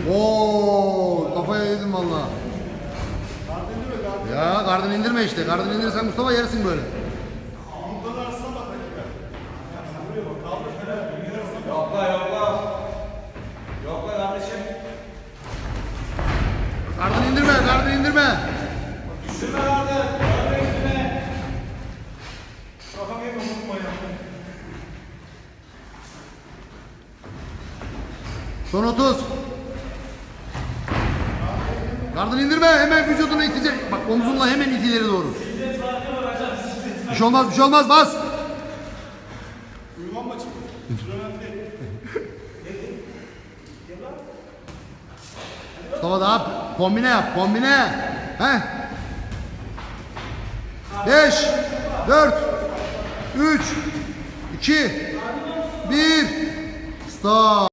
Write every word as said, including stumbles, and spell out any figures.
Oo, kafaya yedim valla. Ya gardını indirme işte. Gardını indirirsen Mustafa yersin böyle. Yokla yokla. Yokla kardeşim. Gardını indirme, gardını indirme. Düşürme vardı. Görme yüzüne. Kafam yeme unutma ya. Son otuz. Gardını indirme, hemen vücudunu itecek. Bak omzunla hemen it ileri doğru. Bir şey olmaz, bir şey olmaz, bas. Uyumam mı çıktı? Mustafa da yap, kombine yap, kombine. Heh. Beş, dört, üç, iki, bir, stop.